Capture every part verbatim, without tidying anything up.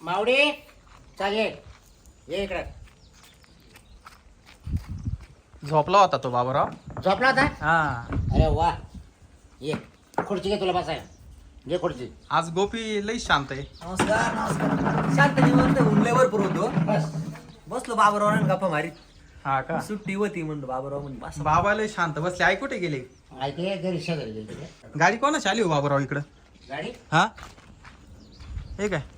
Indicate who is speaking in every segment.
Speaker 1: मावडी चालेल ये इकडं.
Speaker 2: झोपला होता तो बाबूराव.
Speaker 1: झोपला होता.
Speaker 2: हा
Speaker 1: अरे वा ये खुर्ची घे तुला बसायला. घे खुर्ची.
Speaker 2: आज गोपी लई शांत आहे.
Speaker 3: नमस्कार नमस्कार. शांत निवंत हुंडल्यावर पुरवतो.
Speaker 1: बस
Speaker 3: बसलो बाबूराव गप्पा मारीत.
Speaker 2: हा का.
Speaker 3: सुट्टी होती म्हणतो बाबूराव म्हणजे बस.
Speaker 2: बाबा लई शांत बसले. आई कुठे गेले?
Speaker 1: ऐकले घरी शेजारी गेली तिकडे.
Speaker 2: गाडी कोणाची आली हो बाबूराव इकडं?
Speaker 1: गाडी
Speaker 2: हा हे काय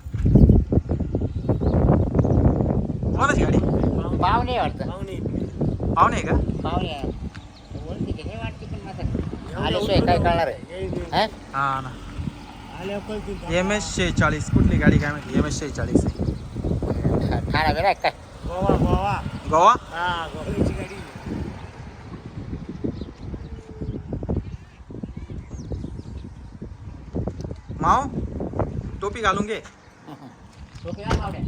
Speaker 2: कोणाची गाडी?
Speaker 1: पाहुणे वाटतं.
Speaker 2: पाहुणे आहे का?
Speaker 1: पाहुणे ओळखी ते वाटते पण माझं आल्याशिवाय काय कळणार आहे. हा?
Speaker 2: हा ना. एम एस शेहेचाळीस कुठली गाडी काय माहिती? एम एस शेहेचाळीस आहे.
Speaker 1: ठाणा बेरा काय
Speaker 4: गोवा गोवा
Speaker 2: गोवा.
Speaker 4: हा गोव्याची गाडी.
Speaker 2: माव टोपी घालून घे.
Speaker 1: टोपी घाल मावड्या.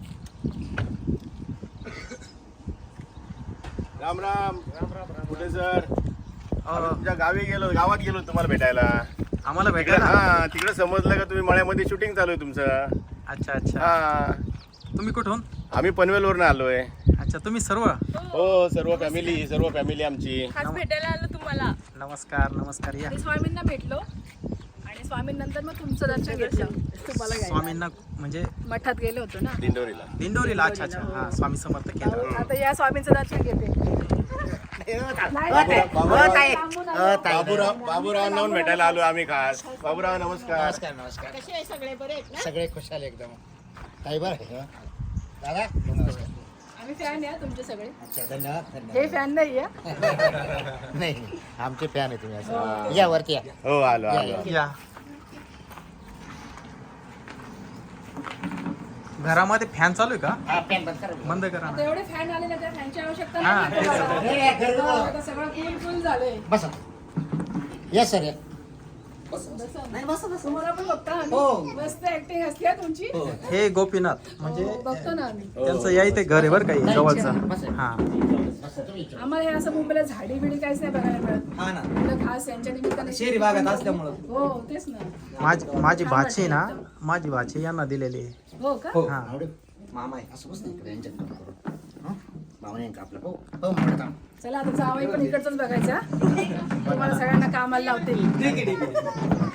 Speaker 5: राम राम
Speaker 4: राम राम राम.
Speaker 5: कुठे सर?
Speaker 2: अ,
Speaker 5: आम्ही तुमच्या गावी गेलो, गावात गेलो तुम्हाला भेटायला.
Speaker 2: आम्हाला
Speaker 5: तिकडे
Speaker 2: भेटायला.
Speaker 5: हा तिकडे समजलं का तुम्ही मळ्यामध्ये शूटिंग चालू आहे तुमचं.
Speaker 2: अच्छा अच्छा.
Speaker 5: हा
Speaker 2: तुम्ही कुठून?
Speaker 5: आम्ही पनवेलवरून आलोय.
Speaker 2: अच्छा तुम्ही सर्व.
Speaker 5: हो सर्व फॅमिली सर्व फॅमिली आमची.
Speaker 6: आज भेटायला आलो तुम्हाला.
Speaker 2: नमस्कार नमस्कार या.
Speaker 6: आणि स्वामींना भेटलो आणि स्वामींनंतर मग तुमचं दर्शन घेतलं तुम्हाला घ्यायला.
Speaker 2: स्वामींना म्हणजे
Speaker 6: मठात गेलो होतो ना.
Speaker 5: दिंडोरीला.
Speaker 2: दिंडोरीला. अच्छा अच्छा. हा स्वामी समर्थ केंद्र.
Speaker 6: अहो, आता या स्वामींचं दर्शन घेते. नाही,
Speaker 1: हो, ताई.
Speaker 6: नाही,
Speaker 5: बाबूराव-
Speaker 1: हो, ताई.
Speaker 6: लांबून
Speaker 1: हो,
Speaker 6: आलो.
Speaker 1: ताई.
Speaker 5: बाबूराव बाबूरावांना पण भेटायला आलो आम्ही खास. बाबूराव नमस्कार.
Speaker 1: नमस्कार नमस्कार.
Speaker 6: कसे आहे सगळे बरे आहेत ना?
Speaker 1: सगळे खुशाल एकदम. ताई बरं आहे. दादा नमस्कार.
Speaker 6: आम्ही फॅन आहे तुमचे सगळे.
Speaker 1: अच्छा धन्यवाद
Speaker 6: हे
Speaker 1: धन्यवाद.
Speaker 6: फॅन नाही आहे.
Speaker 1: नाही आमचे फॅन आहे तुम्ही असं. या वरती या.
Speaker 5: हो आलो
Speaker 1: या,
Speaker 5: आलो.
Speaker 1: या.
Speaker 2: या. घरामध्ये फॅन चालू आहे का?
Speaker 1: हा, फॅन बंद करा.
Speaker 2: बंद करा
Speaker 6: आता
Speaker 2: ना.
Speaker 6: एवढे फॅन आले ना त्या फॅनची आवश्यकता
Speaker 2: हा,
Speaker 6: नाही
Speaker 2: तेच.
Speaker 6: तुम्हाला.
Speaker 1: हे, हे, घरी बोलवा.
Speaker 6: आता सगळं फुल फुल झालंय.
Speaker 1: बसा या सर या.
Speaker 6: बसा. तुम्हाला पण बघता
Speaker 1: हो.
Speaker 6: आम्ही. मस्त ऍक्टिंग असते हा तुमची.
Speaker 2: हे गोपीनाथ म्हणजे
Speaker 6: हो, बघतो ना आम्ही.
Speaker 2: त्यांचं या इथे घर आहे बरं काही जवळचं.
Speaker 1: बसा.
Speaker 2: हा
Speaker 1: बसा तुम्ही इच्छा.
Speaker 6: आम्हाला हे असं मुंबईला झाडी बिडी काहीच नाही बघायला मिळत.
Speaker 3: हा ना.
Speaker 6: आपलं खास यांच्या निमित्ताने
Speaker 3: शहरी भागात असल्यामुळं.
Speaker 6: हो तेच ना.
Speaker 2: माझी माझी भाची ना माझी भाची यांना दिलेली आहे.
Speaker 6: हो का?
Speaker 2: हा
Speaker 1: आवडेल.
Speaker 3: मामा आहे.
Speaker 1: असं बस नाही इकडे यांच्यात काम करू. हं? मामाने यांचं आपलं हो हो म्हणत आहो.
Speaker 6: चला आता जावई पण इकडचंच बघायचा. तुम्हाला सगळ्यांना कामाला लावते.
Speaker 3: ठीक आहे ठीक आहे.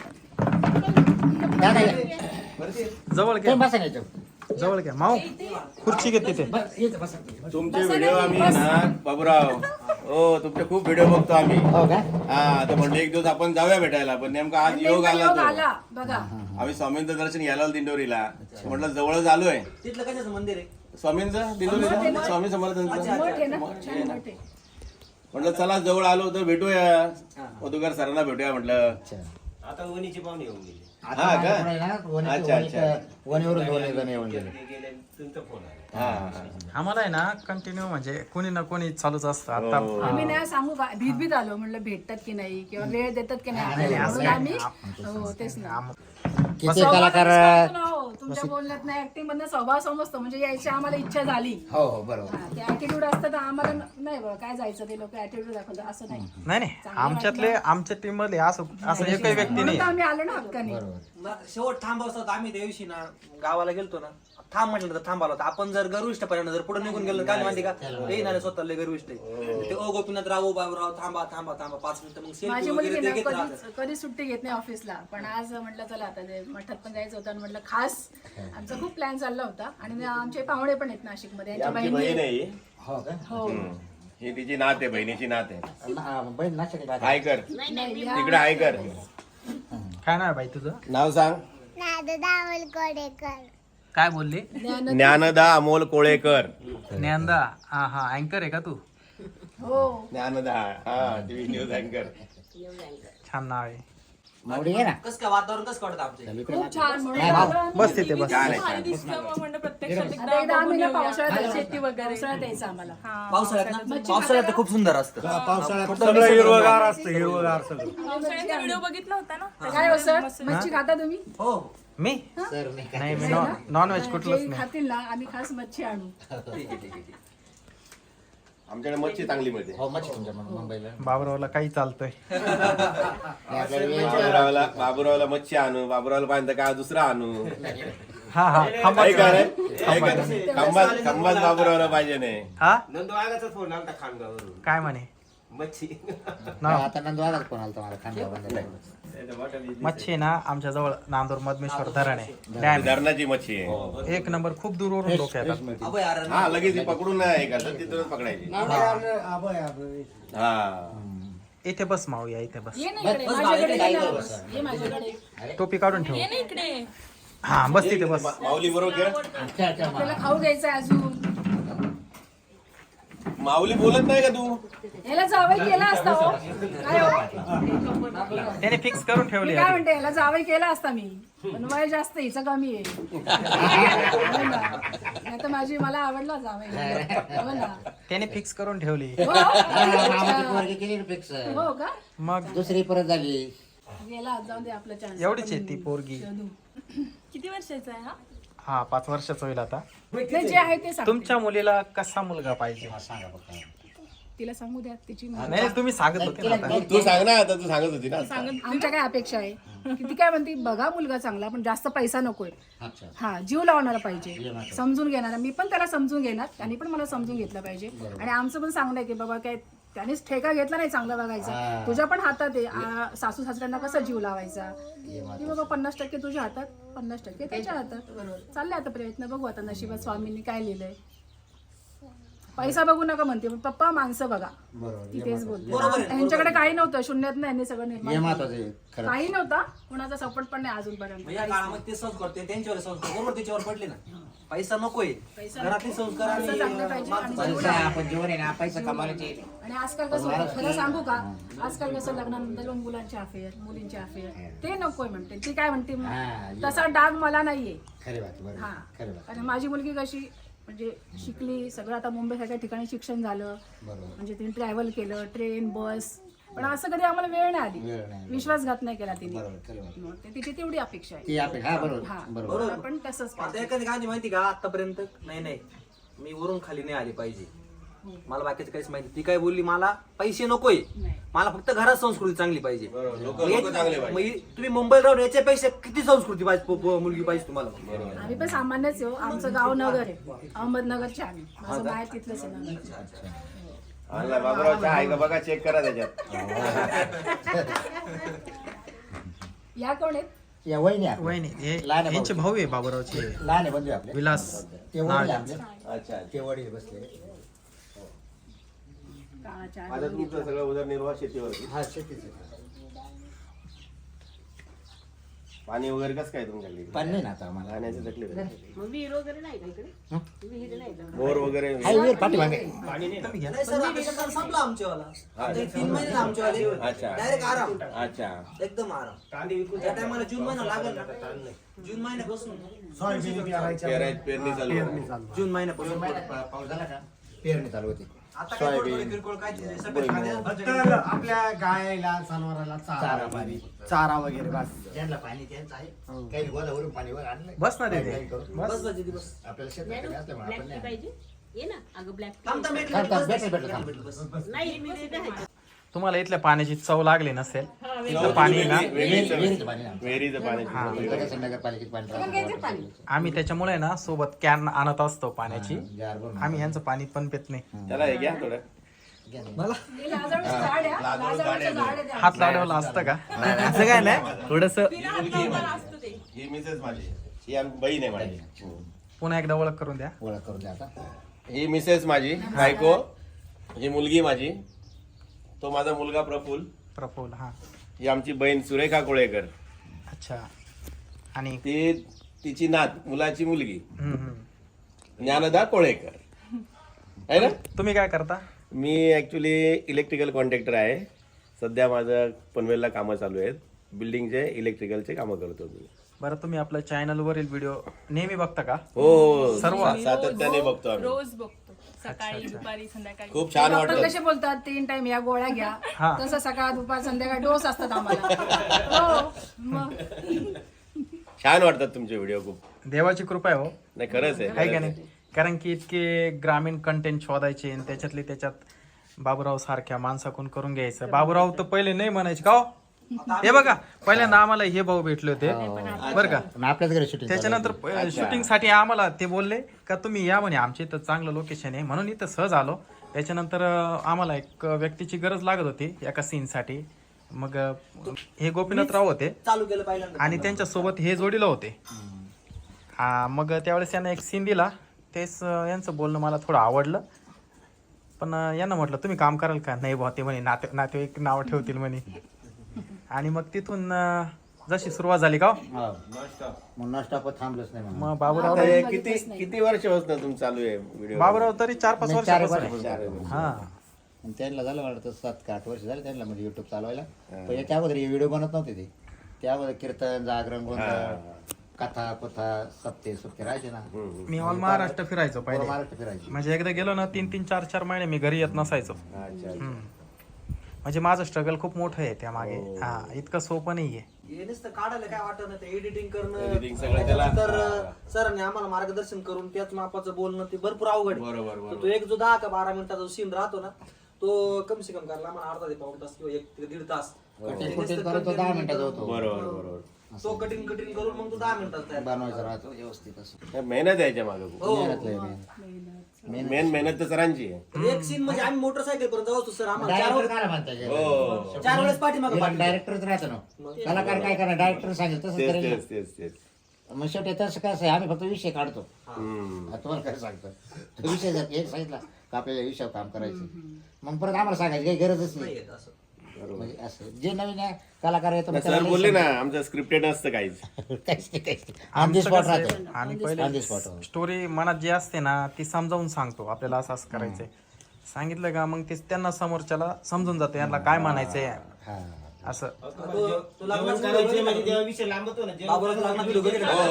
Speaker 1: दादा या.
Speaker 2: जवळ
Speaker 1: तुम्ही
Speaker 2: घ्या.
Speaker 1: बसा ना याच्यावर.
Speaker 2: जवळ घ्या माऊ खुर्ची घे तिथे.
Speaker 1: बस, इथं बसा.
Speaker 5: तुमचे व्हिडिओ आम्ही ना बाबूराव हो तुमचे खूप व्हिडिओ बघतो आम्ही.
Speaker 1: हो का?
Speaker 5: हा तर म्हणलं एक दिवस आपण जाऊया भेटायला पण नेमका आज योग
Speaker 6: नेमका
Speaker 5: आला
Speaker 6: योग
Speaker 5: तो.
Speaker 6: आला बघा.
Speaker 5: आम्ही स्वामींचं दर्शन घ्यायला आलो दिंडोरीला. म्हटलं जवळच आलोय.
Speaker 3: तिथलं कशाचं मंदिर आहे?
Speaker 5: स्वामींचं दिंडोरीला स्वामी समर्थांचं.
Speaker 6: मठ आहे ना छान मठ आहे.
Speaker 5: म्हटलं चला जवळ आलो तर भेटूया मधुकर सरांना भेटूया म्हटलं.
Speaker 1: अच्छा.
Speaker 4: आता वणीची पाहुणे येऊन गेले.
Speaker 1: आता
Speaker 5: हा का?
Speaker 1: माझ्याकडे आहे ना, वणी-
Speaker 5: अच्छा,
Speaker 1: वणी-
Speaker 5: अच्छा.
Speaker 1: वणीवरून दोन जण येऊन गेले.
Speaker 4: ते गेले तुमचा फोन आला.
Speaker 5: हा, हा.
Speaker 2: आम्हाला आहे ना कंटिन्यू म्हणजे कोणी ना कोणी चालूच असतं. आता
Speaker 5: हो.
Speaker 6: आम्ही नाही सांगू का भीत भीत आलो म्हणलं भेटतात की नाही किंवा वेळ देतात की नाही म्हणून आम्ही हो तेच ना.
Speaker 1: किती
Speaker 6: स्वभाव
Speaker 1: कलाकार
Speaker 6: कळतो ना हो. तुमच्या बोलण्यात नाही ऍक्टिंग मधनं स्वभाव समजतो म्हणजे यायची आम्हाला इच्छा झाली.
Speaker 1: हो हो बरोबर.
Speaker 6: हा, ते ऍटिट्यूड असतं तर आम्हाला न- नाही बघा काय जायचं ते लोक ऍटिट्यूड दाखवतात असं नाही.
Speaker 2: नाही नाही आमच्यातले आमच्या टीम मध्ये असं असं एकही व्यक्ती
Speaker 6: म्हणून
Speaker 2: नाही.
Speaker 6: तर आम्ही आलो ना हक्काने.
Speaker 1: बरोबर.
Speaker 3: मग शेवट थांबवत होता आम्ही त्या दिवशी ना गावाला गेलतो ना थांब म्हटलं तर थांबाला होता. आपण जर गर्विष्ठ पर्यंत जर पुढे निघून गेलो काय माहिती का हे ना स्वतः लय गर्विष्ठ आहे. ते ओ गोपीनाथ राव बाबूराव थांबा थांबा थांबा पाच मिनिटं मग
Speaker 6: माझी
Speaker 3: सेल्फी
Speaker 6: मुलगी
Speaker 3: वगैरे ते
Speaker 6: ना
Speaker 3: घेत राहतात.
Speaker 6: कधीच कधी सुट्टी घेत नाही ऑफिसला पण आज म्हटलं चला आता ते मठात पण जायचं होतं आणि म्हटलं खास आमचा खूप प्लॅन चालला होता आणि आमचे पाहुणे पण आहेत नाशिक मध्ये
Speaker 5: ही
Speaker 6: यांच्या
Speaker 5: आमची
Speaker 6: बहिणी
Speaker 5: बहीण आहे
Speaker 6: आहेत.
Speaker 5: ही.
Speaker 1: हो का?
Speaker 6: हो
Speaker 5: ही तिची नात आहे बहिणीची नात आहे.
Speaker 1: हा, बहीण नाशिक ला.
Speaker 5: आयकर
Speaker 6: नाही, या-
Speaker 5: तिकडे आयकर.
Speaker 2: काय नाव आहे बाई तुझं?
Speaker 5: नाव सांग.
Speaker 2: काय बोलली?
Speaker 6: ज्ञान-
Speaker 5: ज्ञानदा अमोल कोळेकर.
Speaker 2: ज्ञानदा. हा हा अँकर आहे का तू?
Speaker 6: हो
Speaker 5: ज्ञानदा हा टीव्ही न्यूज अँकर.
Speaker 2: छान नाव आहे.
Speaker 1: मावडी आहे ना.
Speaker 3: कसं काय वातावरण कसं वाटतं आमच्या इथे?
Speaker 6: खूप छान म्हणून
Speaker 1: नाही,
Speaker 6: आता
Speaker 2: बस तिथे बस.
Speaker 5: छान आहे छान.
Speaker 6: एकदा आम्ही ना पावसाळ्यात शेती वगैरे पावसाळ्यात यायचं आम्हाला.
Speaker 3: पावसाळ्यात ना पावसाळ्यात तर खूप सुंदर असतं.
Speaker 4: सगळं हिरवगार असतं हिरवगार सगळं.
Speaker 6: व्हिडिओ बघितला होता ना काय हो सर मच्छी खाता तुम्ही?
Speaker 3: हो
Speaker 2: मी
Speaker 1: सर नाही का?
Speaker 2: नाही मी नॉन व्हेज कुठलंच
Speaker 6: जे
Speaker 2: नाही.
Speaker 6: खातील ना आम्ही खास मच्छी आणू.
Speaker 3: ठीक आहे ठीक आहे ठीक आहे.
Speaker 5: आमच्याकडे मच्छी चांगली मिळते.
Speaker 1: हो मच्छी तुमच्या मुं- मुंबईला.
Speaker 2: बाबरावला काही चालतंय.
Speaker 1: नाही, आपल्याला वेळ-
Speaker 5: बाबुरावला बाबुरावला मच्छी आणू बाबुरावला पाहिजे काय दुसरा आणू.
Speaker 2: हा हा
Speaker 5: काय
Speaker 2: खांबाचं.
Speaker 5: काय खंबात खंबात बाबूरावला पाहिजे नाही
Speaker 2: हा
Speaker 4: नंदू आगाचा फोन आलता खानगावरून
Speaker 2: काय म्हणे
Speaker 4: मच्छी
Speaker 2: ना
Speaker 1: आता नंदवालाच फोन आला मला खांद्यावर
Speaker 2: मच्छी ना आमच्या जवळ नांदूर मधमेश्वर धरण आहे डॅम
Speaker 5: धरणाची मच्छी आहे
Speaker 2: एक नंबर खूप दूरवरून लोक येतात
Speaker 3: अभय अरे
Speaker 5: हा लगेच ती पकडून नाही करतात तिथूनच पकडायची हा
Speaker 2: इथे बस माऊया इथे बस
Speaker 6: ये ना इकडे माझ्याकडे ये ना बस. ये माझ्याकडे
Speaker 2: टोपी काढून ठेव
Speaker 6: ये ना इकडे
Speaker 2: हा बस तिथे बस
Speaker 5: माऊली बरोबर खेळ
Speaker 6: आपल्याला खाऊ घ्यायचं अजून
Speaker 5: माऊली बोलत नाही का तू
Speaker 6: याला जावई केला असता हो काय हो
Speaker 2: त्याने फिक्स करून ठेवली
Speaker 6: मी काय म्हणते याला जावई केला असता मी पण वय जास्त हिचं कमी आहे नाही तर माझी मला आवडला जावई हो ना
Speaker 2: त्याने फिक्स करून ठेवली
Speaker 6: हो?
Speaker 1: पोरगी केली फिक्स
Speaker 6: हो का
Speaker 2: मग
Speaker 1: दुसरी परत झाली
Speaker 6: गेला जाऊन दे आपला चान्स
Speaker 2: एवढीच आहे ती पोरगी
Speaker 6: किती वर्षाचा आहे हा
Speaker 2: हा पाच वर्षाचं होईल आता
Speaker 6: नाही, जे आहे ते सांग
Speaker 2: तुमच्या मुलीला कसा मुलगा पाहिजे
Speaker 6: तिला सांगू द्या तिची
Speaker 2: नाही तुम्ही सांगत होते ना आता.
Speaker 5: तू सांग ना आता तू सांगत होती ना आता.
Speaker 6: आमच्या काय अपेक्षा आहे की ती काय म्हणते बघा मुलगा चांगला पण जास्त पैसा नकोय
Speaker 1: अच्छा
Speaker 6: हा जीव लावणारा पाहिजे समजून घेणारा मी पण त्याला समजून घेणार त्यांनी पण मला समजून घेतलं पाहिजे आणि आमचं पण सांगणं आहे की बाबा काय त्यानेच ठेका घेतला नाही चांगला बघायचा तुझ्या पण हातात आहे आ, सासू सासऱ्यांना कसा जीव लावायचा की बाबा पन्नास टक्के तुझ्या हातात पन्नास टक्के त्याच्या हातात चालले आता प्रयत्न बघू आता नशिबात स्वामींनी काय लिहिलंय पैसा बघू नका म्हणते पण पप्पा माणसं बघा ती तेच बोलते यांच्याकडे काही नव्हतं शून्यात नाही यांनी सगळं निर्माण केलं. काही नव्हता कुणाचा सपोर्ट पण नाही अजूनपर्यंत
Speaker 3: या काळामध्ये ते संस्कार ते त्यांच्यावर संस्कार बरोबर त्याच्यावर पडले ना पैसा नकोय घरातले संस्कार आणि
Speaker 6: पैसा चांगले पाहिजे आणि जीव
Speaker 1: पैसा आपण जीवन आहे ना पैसा कमावण्याचे
Speaker 6: आणि आजकाल कसं होतं खरं सांगू का आजकाल कसं लग्नानंतर मुलांचे अफेअर मुलींचे अफेअर ते नकोय म्हणते ती काय म्हणते तसा डाग मला नाहीये
Speaker 1: खरी बात बरोबर
Speaker 6: हा
Speaker 1: खरी बात
Speaker 6: आणि माझी मुलगी कशी म्हणजे शिकली सगळं आता मुंबई सारख्या ठिकाणी शिक्षण झालं
Speaker 1: बरोबर
Speaker 6: म्हणजे तिने ट्रॅव्हल केलं ट्रेन बस पण असं कधी आम्हाला वेळ नाही
Speaker 1: वेळ
Speaker 6: आली
Speaker 1: नाही.
Speaker 6: विश्वासघात नाही केला तिने
Speaker 1: बरोबर खरी बात
Speaker 6: मग ते तिची तेवढी अपेक्षा आहे
Speaker 1: ती आपण हा बरोबर
Speaker 6: हा
Speaker 1: बरोबर
Speaker 6: मला पण तसंच
Speaker 3: आता
Speaker 6: पाहिजे.
Speaker 3: एखादी गाणी माहिती का आतापर्यंत नाही नाही मी वरून खाली नाही आली पाहिजे मला बाकीचं काहीच माहिती ती काय बोलली मला पैसे नकोय
Speaker 6: नाही.
Speaker 3: मला फक्त घरात संस्कृती चांगली पाहिजे
Speaker 5: बरोबर. लोक
Speaker 3: मग
Speaker 5: लोक
Speaker 3: याची-
Speaker 5: चांगले पाहिजे.
Speaker 3: मग तुम्ही मुंबईला राहून याच्यापेक्षा किती संस्कृती पाहिजे पो- पो- मुलगी पाहिजे तुम्हाला
Speaker 6: आम्ही पण सामान्यच हो आमचं गाव नगर आहे अहमदनगरचे आम्ही माझं बाहेर तिथलंच आहे नगर
Speaker 5: आणला बाबूराव चहा आहे का बघा चेक करा त्याच्यात
Speaker 6: या कोण आहेत
Speaker 1: या वहिनी आपल्या.
Speaker 2: वहिनी हे
Speaker 1: लहान आहे
Speaker 2: यांचे भाऊ आहे बाबूरावचे
Speaker 1: लहान आहे बंधू आपले
Speaker 2: विलास
Speaker 1: ते वडील आपले
Speaker 5: अच्छा
Speaker 1: ते वडील बसले
Speaker 6: काळाच्या
Speaker 5: माझं तुमचं सगळं उदरनिर्वाह शेतीवरती
Speaker 1: हा शेतीच
Speaker 5: पाणी वगैरे कसं काय तुमच्याकडे
Speaker 1: पण नाही ना आता आम्हाला
Speaker 5: पाण्याची तकलीफ आहे?
Speaker 6: विहीर वगैरे नाही का इकडे विहीर नाही का
Speaker 5: बोर वगैरे
Speaker 1: हाय वीर पाठीमागे
Speaker 3: नाही सर आता सकाळ संपला आमच्यावाला आता हे तीन महिने आमच्यावाले
Speaker 5: अच्छा.
Speaker 3: डायरेक्ट आराम
Speaker 5: अच्छा
Speaker 3: एकदम आराम त्या टायमाला जून महिना लागेल ना जून महिन्यापासून
Speaker 5: पेराय पेरणी चालू आहे.
Speaker 3: जून महिन्यापासून
Speaker 1: पाऊस झाला का पेरणी चालू होती
Speaker 3: आता काय थोडं थोडं किरकोळ काय ते सगळं खाण्याचं
Speaker 4: फक्त आपल्या गायला जनावराला चारा
Speaker 1: चारा पाणी
Speaker 4: चारा वगैरे बस
Speaker 1: ज्यांना पाणी त्यांचं आहे काही गोदावरून पाणी वर आणलं
Speaker 2: बस ना
Speaker 1: काही-
Speaker 2: तिथे.
Speaker 1: काही करू.
Speaker 3: बस बस दीदी बस
Speaker 1: आपल्याला शेतात असल्यामुळे आपण नाही
Speaker 7: ये ना अगं ब्लॅक
Speaker 3: थांब थांब भेटलं
Speaker 1: थांब, थांब,
Speaker 3: बस,
Speaker 1: भेटलं,
Speaker 3: बस,
Speaker 1: भेटलं, थांब.
Speaker 3: भेटलं, बस.
Speaker 7: नाही मी देते आहे.
Speaker 2: तुम्हाला इथल्या पाण्याची चव लागली नसेल इथलं पाणी ना
Speaker 1: विहिरीचं विहिरीचं पाणी ना
Speaker 5: विहिरीचं पाणी
Speaker 1: इकडं कसं नगरपालिकेत पाणी राहतं.
Speaker 2: आम्ही त्याच्यामुळे ना सोबत कॅन आणत असतो पाण्याची
Speaker 1: जार भरून.
Speaker 2: आम्ही यांचं पाणी पण पित नाही
Speaker 5: त्याला हे घ्या थोडं
Speaker 6: हे लाजाळूचं झाड आहे हा. लाजाळूचं झाड आहे ते.
Speaker 2: हात लावलेला असतं का असं काय नाही थोडस
Speaker 5: ही मिसेस माझी ही आम- बहीण आहे माझी
Speaker 2: पुन्हा एकदा ओळख करून द्या
Speaker 1: ओळख करून द्या आता
Speaker 5: ही मिसेस माझी बायको ही मुलगी माझी तो माझा मुलगा प्रफुल्ल
Speaker 2: प्रफुल हा
Speaker 5: ही आमची बहीण सुरेखा कोळेकर
Speaker 2: अच्छा आणि
Speaker 5: ती तिची नात मुलाची मुलगी
Speaker 2: हम्म, हम्म.
Speaker 5: ज्ञानदा कोळेकर आहे ना
Speaker 2: तुम्ही काय करता
Speaker 5: मी ॲक्च्युली इलेक्ट्रिकल कॉन्ट्रॅक्टर आहे सध्या माझं पनवेलला कामं चालू आहेत बिल्डिंगचे इलेक्ट्रिकलचे कामं करतो मी
Speaker 2: बरं तुम्ही आपल्या चॅनल वरील व्हिडिओ नेहमी बघता का
Speaker 5: हो
Speaker 2: सर्व?
Speaker 5: सातत्याने बघतो आम्ही
Speaker 7: रोज बघतो सकाळी दुपारी संध्याकाळी
Speaker 5: खूप छान
Speaker 6: डॉक्टर
Speaker 5: वाटतं
Speaker 6: कसे बोलतात तीन टाइम या गोळ्या घ्या
Speaker 2: हा.
Speaker 6: तसं सकाळ दुपार संध्याकाळ डोस असतात आम्हाला हो मग
Speaker 5: छान वाटतात तुमचे व्हिडिओ खूप
Speaker 2: देवाची कृपा आहे हो
Speaker 5: नाही खरंच आहे
Speaker 2: काय का
Speaker 5: खरंच
Speaker 2: नाही
Speaker 5: आहे.
Speaker 2: कारण की इतके ग्रामीण कंटेंट शोधायचे आणि त्याच्यातले त्याच्यात बाबूराव सारख्या माणसाकडून करून घ्यायचं बाबूराव तर पहिले नाही म्हणायचे का हो? हे बघा पहिल्यांदा आम्हाला हे भाऊ भेटले होते बरं का.
Speaker 8: आपल्याच घरी शूटिंग
Speaker 2: त्याच्यानंतर शूटिंग साठी आम्हाला ते बोलले का तुम्ही या म्हणे आमच्या इथं चांगलं लोकेशन आहे म्हणून इथं सहज आलो. त्याच्यानंतर अं, आम्हाला एक व्यक्तीची गरज लागत होती एका सीन साठी. मग अं, हे गोपीनाथराव होते
Speaker 3: चालू केलं पहिल्यांदा
Speaker 2: आणि त्यांच्या सोबत हे जोडीला होते. हा मग त्यावेळेस यांना एक सीन दिला. तेच अं, यांचं बोलणं मला थोडं आवडलं. पण अं, यांना म्हटलं तुम्ही काम कराल का. नाही बुवा ते म्हणे नाते नातेवाईक नाव ठेवतील म्हणे. आणि मग तिथून अं, जशी सुरुवात झाली का हो,
Speaker 8: म्हणून स्टॉप थांबलोच नाही म्हणून.
Speaker 2: मग बाबूराव
Speaker 5: आता हे किती किती वर्षापासून तुम्ही चालू आहे व्हिडिओ?
Speaker 2: बाबूराव तरी चार पाच
Speaker 8: नाही, चार
Speaker 2: वर्षापासून
Speaker 8: वर्ष.
Speaker 2: आहे. हा
Speaker 8: आणि त्यांना झालं वाटतं सात का आठ वर्ष झाले त्यांना म्हणजे युट्यूब चालवायला. पण याच्या अगोदर हे व्हिडिओ बनत नव्हते ते. त्या अगोदर कीर्तन जागरण गोंधळ कथा कथा सप्ते सुप्ते राहायचे ना.
Speaker 2: मी ऑल महाराष्ट्र फिरायचो पहिले.
Speaker 8: महाराष्ट्र फिरायचे.
Speaker 2: म्हणजे एकदा गेलो ना तीन तीन चार चार महिने मी घरी येत नसायचो. हम्म. म्हणजे माझं स्ट्रगल खूप मोठं आहे त्या मागे. हा इतकं सोपं नाहीये.
Speaker 3: हे नुसतं काढायला काय वाटत नाही ते एडिटिंग करणं
Speaker 5: Editing सगळं त्याला-
Speaker 3: तर सरांनी आम्हाला मार्गदर्शन करून त्याच मापाचं बोलणं ते भरपूर अवघड आहे.
Speaker 5: बरोबर, बरोबर.
Speaker 3: तर तो एक जो दहा का बारा मिनिटाचा सीन राहतो ना तो कम से कम करायला आम्हाला अर्धा ते पाऊण तास किंवा एक ते दीड तास
Speaker 8: कटिंग कुटिंग करत तो दहा मिनिटाचा होतो.
Speaker 5: बरोबर बरोबर.
Speaker 3: तो कटिंग कटिंग करून मग तो दहा मिनिटात तयार.
Speaker 8: बनवायचा राहतो व्यवस्थित असं.
Speaker 5: हे मेहनत आहे याच्या मागे खूप.
Speaker 3: हो.
Speaker 8: मेहनत लय मेहनत.
Speaker 5: मेन मेहनत तर सरांची आहे.
Speaker 3: तर एक सीन म्हणजे आम्ही मोटरसायकल पर्यंत जाऊ सर आम्हाला चार
Speaker 8: डायरेक्टर
Speaker 3: वेळेस-
Speaker 8: काय म्हणतात
Speaker 5: हो.
Speaker 3: चार वेळेस पाठीमागं पाठीमागं.
Speaker 8: डायरेक्टरच राहतो ना. कलाकार काय करणार डायरेक्टर सांगेल तसं
Speaker 5: तेच
Speaker 8: करेल.
Speaker 5: तेच तेच तेच.
Speaker 8: मग शेवटी तसं कसं आहे आम्ही फक्त विषय काढतो.
Speaker 5: हम्म.
Speaker 8: आता तुम्हाला काय सांगतो तो विषय जर एक सांगितला का आपल्याला विषयावर काम करायचं मग परत आम्हाला सांगायची काही गरजच
Speaker 3: नाही
Speaker 8: नाही.
Speaker 3: येत असं.
Speaker 8: म्हणजे असं जे नवीन आहे, कलाकार येतो
Speaker 5: सर बोलले ना आमचं स्क्रिप्टेड नसतं काहीच.
Speaker 8: काहीच नाही काहीच नाही ऑन दी स्पॉट राहतो.
Speaker 2: आणि
Speaker 8: On the
Speaker 2: पहिले
Speaker 8: spot.
Speaker 2: स्टोरी मनात जी असते ना ती समजावून सांगतो आपल्याला असं असं करायचंय. सांगितलं का मग ते त्यांना समोरच्याला समजून जातं यांना काय म्हणायचंय
Speaker 8: हा.
Speaker 2: असं.
Speaker 3: तो- तो लग्नाचा video
Speaker 4: म्हणजे
Speaker 3: बघितला
Speaker 4: तेव्हा विषय लांबतो ना
Speaker 3: बाबूरावचा लग्नाचा video बघितला का?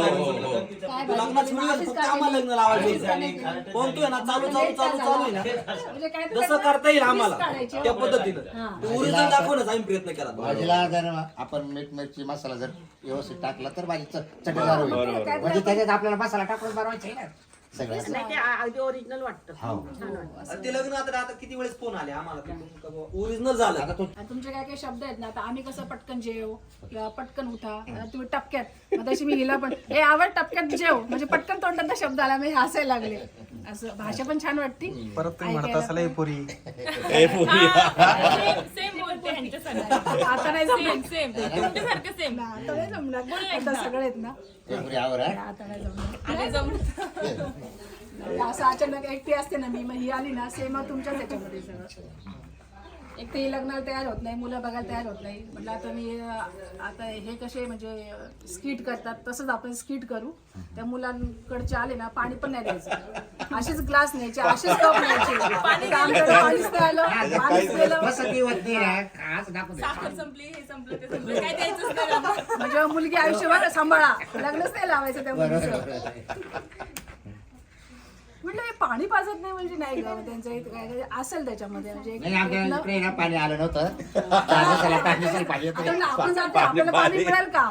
Speaker 6: काय
Speaker 3: तो लग्नाचा video फक्त आम्हाला लग्न लावायचं कोणतोय ना चालू चालू चालू चालू आहे ना
Speaker 6: म्हणजे काय तर
Speaker 3: जसं
Speaker 6: त्याचं
Speaker 3: करता येईल आम्हाला
Speaker 6: twist काढायची.
Speaker 3: त्या पद्धतीनं ओरिजिनल दाखवण्याचा आम्ही प्रयत्न केला.
Speaker 8: भाजीला जर आपण मीठ मिरची मसाला जर व्यवस्थित टाकला तर भाजी च- चटकदार होईल. म्हणजे त्याच्यात आपल्याला मसाला टाकून बनवायचा आहे ना सगळं असं.
Speaker 7: ओरिजिनल वाटतं
Speaker 8: हो.
Speaker 3: आणि ते लग्न आता आता किती वेळेस फोन आले आम्हाला ओरिजिनल झालं
Speaker 8: आता तो
Speaker 6: आणि तुमचे काय काही शब्द आहेत ना आता आम्ही कसं पटकन जेव किंवा पटकन उठा आता तुम्ही टपक्यात मग तशी मी हिला पण हे आवड टपक्यात जेव म्हणजे पटकन तोंडात शब्द आला मी हसायला लागले. असं भाषा पण छान वाटते.
Speaker 2: परत तुम्ही म्हणत असाल "ए पुरी
Speaker 5: ए, पुरी.
Speaker 7: सेम बोलते ह्यांच्यासारखं
Speaker 6: आता नाही
Speaker 7: सेम
Speaker 6: जमणार.
Speaker 7: सेम तुमच्यासारखं सेम
Speaker 6: आता नाही जमणार आता सगळे आहेत ना
Speaker 8: एवढी आवड आहे.
Speaker 6: आता नाही जमणार.
Speaker 7: आणि जमलं
Speaker 6: असं अचानक एकटी असते ना मी मग ही आली ना सेम तुमच्याच याच्यामध्ये सगळं. एक तर ही लग्नाला तयार होत नाही मुलं बघायला तयार होत नाही म्हटलं आता मी अं, आता हे कसे म्हणजे स्किट करतात तसंच आपण स्किट करू. त्या मुलांकडचे आले ना पाणी पण नाही द्यायचं असेच ग्लास न्यायचे असेच कप न्यायचे पाणी आमच्याकडे पाणीच नाही आलं पाणीच दिलं
Speaker 8: बसत नाही होत नाही ना. आज दाखवू दे.
Speaker 7: साखर संपली हे संपलं ते संपलं काय द्यायचंच नाही बाबा.
Speaker 6: म्हणजे मुलगी आयुष्यभर सांभाळा लग्नच नाही लावायचं त्या
Speaker 8: बरोबर,
Speaker 6: मुलीचं.
Speaker 8: बरोबर.
Speaker 6: म्हटलं हे पाणी पाजत नाही म्हणजे नाही गं त्यांचं एक काय असेल त्याच्यामध्ये म्हणजे एक-
Speaker 8: नाही आमच्या
Speaker 6: एक-
Speaker 8: इकडे ना पाणी आलं नव्हतं. चार दिवसाला पाच दिवसाला पाणी येतं.
Speaker 6: आता आपण जातो आपल्याला पाणी मिळेल का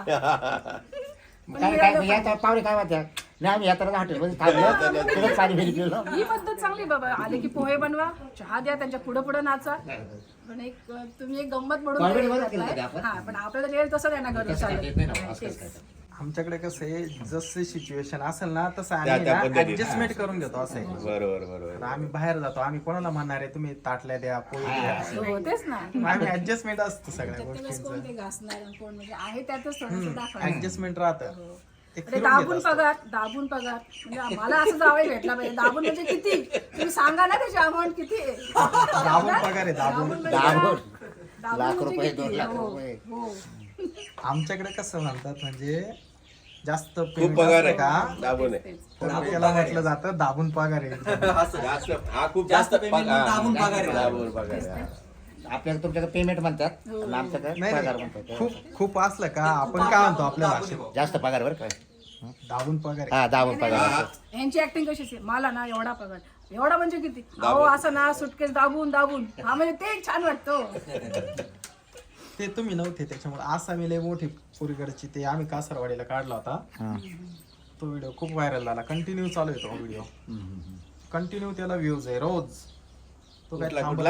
Speaker 8: काय काय म्हणजे आता पाहुणे काय म्हणतात नाही आम्ही यात्रा हॉटेलमध्ये थांबलो तिथेच पाणी भेट गेलो.
Speaker 6: ही पद्धत चांगली बाबा आले की पोहे बनवा चहा द्या त्यांच्या पुढे पुढे नाचा पण एक अं, तुम्ही एक गंमत म्हणून
Speaker 8: Comedy
Speaker 6: तयारी
Speaker 8: बरं
Speaker 6: करताय.
Speaker 8: केलं ते आपण.
Speaker 6: हा पण आपल्याला वेळ तसं नाही ना घरी
Speaker 8: तसं काय देत नाही ना, असं
Speaker 6: चालेल
Speaker 8: काय ते.
Speaker 2: आमच्याकडे कसं आहे जसं सिच्युएशन असेल ना तसं
Speaker 5: त्या- त्या
Speaker 2: आम्ही
Speaker 5: पद्धतीने.
Speaker 2: ऍडजस्टमेंट करून घेतो असं आहे.
Speaker 5: बरोबर बरोबर.
Speaker 2: तर आम्ही बाहेर जातो आम्ही कोणाला म्हणणार आहे तुम्ही ताटल्या द्या पोळी द्या
Speaker 6: हो तेच ना
Speaker 2: आम्ही ऍडजस्टमेंट असतो सगळ्या
Speaker 6: प्रत्येक वेळेस कोण
Speaker 2: गोष्टींचं
Speaker 6: ते घासणार आणि कोण म्हणजे आहे त्यातच थोडंसं दाखवा
Speaker 2: ऍडजस्टमेंट राहतं ते
Speaker 6: ते
Speaker 2: फिरून घेत
Speaker 6: दाबून
Speaker 2: असतं.
Speaker 6: पगार दाबून पगार म्हणजे मला असं जावं भेटला पाहिजे दाबून म्हणजे किती तुम्ही सांगा ना त्याची अमाऊंट किती आहे
Speaker 2: दाबून पगार आहे दाबून
Speaker 6: म्हणजे
Speaker 8: दाबून.
Speaker 6: दाबून
Speaker 8: लाख
Speaker 6: म्हणजे
Speaker 8: रुपये,
Speaker 6: किती?
Speaker 8: दोन लाख
Speaker 6: हो,
Speaker 8: रुपये.
Speaker 6: हो.
Speaker 2: आमच्याकडे कसं म्हणतात म्हणजे जास्त
Speaker 5: खूप
Speaker 2: payment
Speaker 5: पगार
Speaker 2: असतं
Speaker 5: आहे
Speaker 2: का
Speaker 5: दाबून आहे.
Speaker 2: तर त्याला म्हटलं जातं दाबून पगार आहे
Speaker 5: जास्त हा खूप
Speaker 3: जास्त
Speaker 5: जास्त
Speaker 3: payment
Speaker 5: पगार-
Speaker 3: दाबून पगार आहे.
Speaker 5: दाबून पगार आहे.
Speaker 8: आपल्याकडे तुमच्याकडे पेमेंट म्हणतात आणि आमच्याकडे
Speaker 2: नाही
Speaker 8: पगार
Speaker 2: नाही,
Speaker 8: म्हणतात.
Speaker 2: खूप खूप असलं का आपण काय म्हणतो आपल्या भाषेत
Speaker 8: जास्त पगार बरं काय
Speaker 2: दाबून पगार आहे.
Speaker 8: हा दाबून पगार.
Speaker 6: यांची ऍक्टिंग कशी असते मला ना एवढा पगार एवढा म्हणजे किती अहो असं ना सुटकेस दाबून दाबून हा म्हणजे ते एक छान वाटतं
Speaker 2: ते तुम्ही नव्हते त्याच्यामुळे आसामी लय मोठी पुरीकडची ते आम्ही कासरवाडीला काढला होता तो व्हिडिओ खूप व्हायरल झाला कंटिन्यू चालू आहे तो व्हिडिओ कंटिन्यू त्याला व्ह्यूज आहे रोज तो काय
Speaker 5: कुठला
Speaker 2: थांबत
Speaker 5: कुठला
Speaker 2: नाही.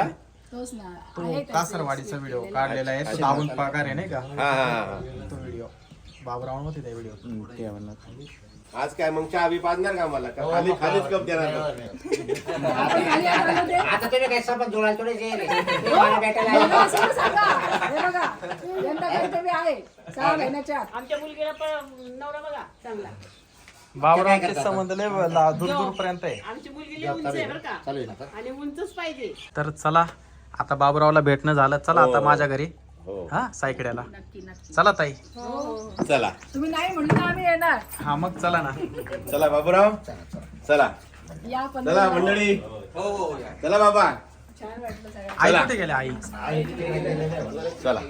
Speaker 6: तोच ना
Speaker 2: तो
Speaker 6: आहे त्याचे
Speaker 2: कासरवाडीचा व्हिडिओ काढलेला आहे तो दाबून पगार आहे नाही का
Speaker 5: हा हा हा
Speaker 2: तो व्हिडिओ बाबराव होते त्या व्हिडिओ
Speaker 8: ते म्हणलं.
Speaker 5: आज काय मग चहा बी पाजणार का मला का खाली खालीच कप देणार
Speaker 6: आपण खाली आलो ते.
Speaker 8: आता तुम्ही काय सबंध जुळायला थोडे जे मला भेटायला आले.
Speaker 6: मला असं सांगा. हे बघा यंदा कर्तव्य आहे सहा महिन्याच्या आत.
Speaker 9: आमच्या मुलगीला पण नवरा बघा चांगला.
Speaker 2: बाबरावचे संबंध लय ला- दूर दूर पर्यंत आहे
Speaker 9: आमची मुलगी लई उंच आहे बरं का
Speaker 8: चालू आहे ना आता?
Speaker 9: आणि उंचच पाहिजे.
Speaker 2: तर चला आता बाबरावला भेटणं झालं चला आता माझ्या घरी
Speaker 5: हो
Speaker 2: हा सायकड्याला
Speaker 6: नक्की नक्की
Speaker 2: चला ताई
Speaker 5: चला
Speaker 6: तुम्ही नाही म्हणलं तर आम्ही येणार
Speaker 2: हा मग चला ना
Speaker 5: चला बाबूराव चला
Speaker 6: या पण
Speaker 5: चला मंडळी
Speaker 3: हो हो या.
Speaker 5: चला बाबा
Speaker 6: छान वाटलं सगळं
Speaker 2: आई कुठे गेले आई
Speaker 5: चला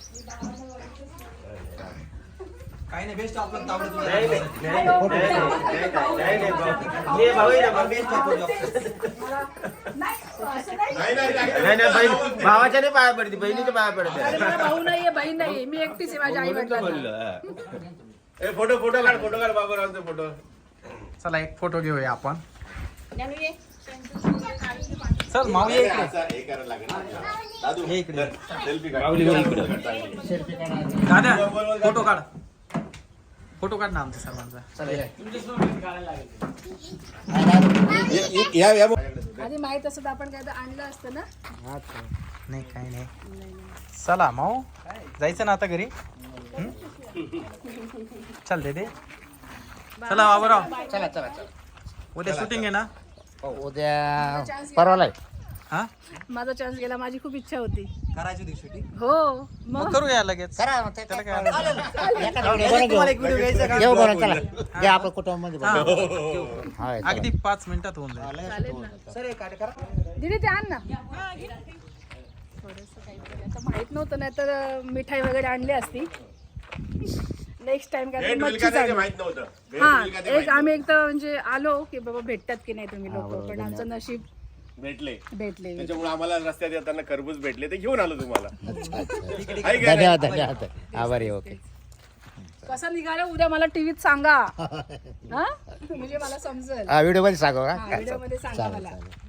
Speaker 3: काही नाही बेस्ट आपलं तावडं तुला
Speaker 4: नाही नाही नाही नाही भाऊ. ये भाऊ ये ना भाऊ.
Speaker 3: बेस्ट आपलं job.
Speaker 6: मला नाही असं नाही
Speaker 5: नाही नाही
Speaker 4: नाही नाही बहीण भावाच्या नाही पाया पडते बहिणीच्या पाया पडते.
Speaker 6: अरे मला भाऊ नाहीये बहीण नाही मी एकटीच आहे माझ्या आई वडिलांना
Speaker 5: ए फोटो फोटो काढ फोटो काढ बाबूरावचा फोटो
Speaker 2: चला एक फोटो घेऊया आपण
Speaker 9: ज्ञानू ये.
Speaker 2: चल माऊ ये इकडे.
Speaker 5: असं हे करायला लागेल ना. दादू
Speaker 2: हे इकडे.
Speaker 5: सेल्फी काढ
Speaker 2: दादा फोटो काढ फोटो काढ ना आमच्या सर्वांचा चला ये.
Speaker 5: या या
Speaker 6: आधी माहित असत आपण काय तर आणलं असतं ना
Speaker 2: नाही काही नाही चला माऊ जायचं ना आता घरी हं? चल दे दे चला बाबूराव
Speaker 8: चला चला चला.
Speaker 2: उद्या शूटिंग आहे ना
Speaker 8: उद्या परवाला आहे.
Speaker 2: हा
Speaker 6: माझा चान्स गेला माझी खूप इच्छा होती
Speaker 3: करायची होती shooting.
Speaker 6: हो
Speaker 2: मग
Speaker 6: मग
Speaker 2: करूया लगेच
Speaker 8: करा मग ते
Speaker 2: त्याला
Speaker 8: काय
Speaker 2: काय अडचण
Speaker 8: एखादा व्हिडिओ
Speaker 3: तुम्हाला
Speaker 8: बनवून
Speaker 3: एक व्हिडिओ घ्यायचा का?
Speaker 8: घेऊ बनवून चला घ्या आपण कुटुंबामध्ये
Speaker 2: हा.
Speaker 8: बनवू. हाय, चला.
Speaker 2: अगदी पाच मिनिटात होऊन जाईल
Speaker 6: चालेल ना
Speaker 3: सर एक कार्य करा
Speaker 6: दीदी ते आण ना थोडंसं काहीतरी आता माहित नव्हतं नाही तर मिठाई वगैरे आणली असती नेक्स्ट टाइम काय
Speaker 5: भेट होईल
Speaker 6: मच्छी
Speaker 5: का नाही ते
Speaker 6: चालू
Speaker 5: माहित नव्हतं भेट
Speaker 6: हा
Speaker 5: होईल का ते
Speaker 6: एक
Speaker 5: माहित
Speaker 6: आम्ही एक तर म्हणजे आलो की बाबा भेटतात की नाही तुम्ही लोक पण आमचं नशीब
Speaker 5: नव्हतं. भेटले
Speaker 6: भेटले
Speaker 5: त्याच्यामुळे आम्हाला रस्त्यात येताना खरबूज भेटले ते घेऊन आलो तुम्हाला
Speaker 8: अच्छा अच्छा
Speaker 5: आहे का नाही?
Speaker 8: धन्यवाद धन्यवाद आभारी ओके.
Speaker 6: कसं निघालं उद्या मला टीव्हीत सांगा हा म्हणजे मला समजेल
Speaker 8: हा व्हिडिओ मध्ये सांगा
Speaker 6: व्हिडिओ मध्ये सांगा मला
Speaker 8: चालेल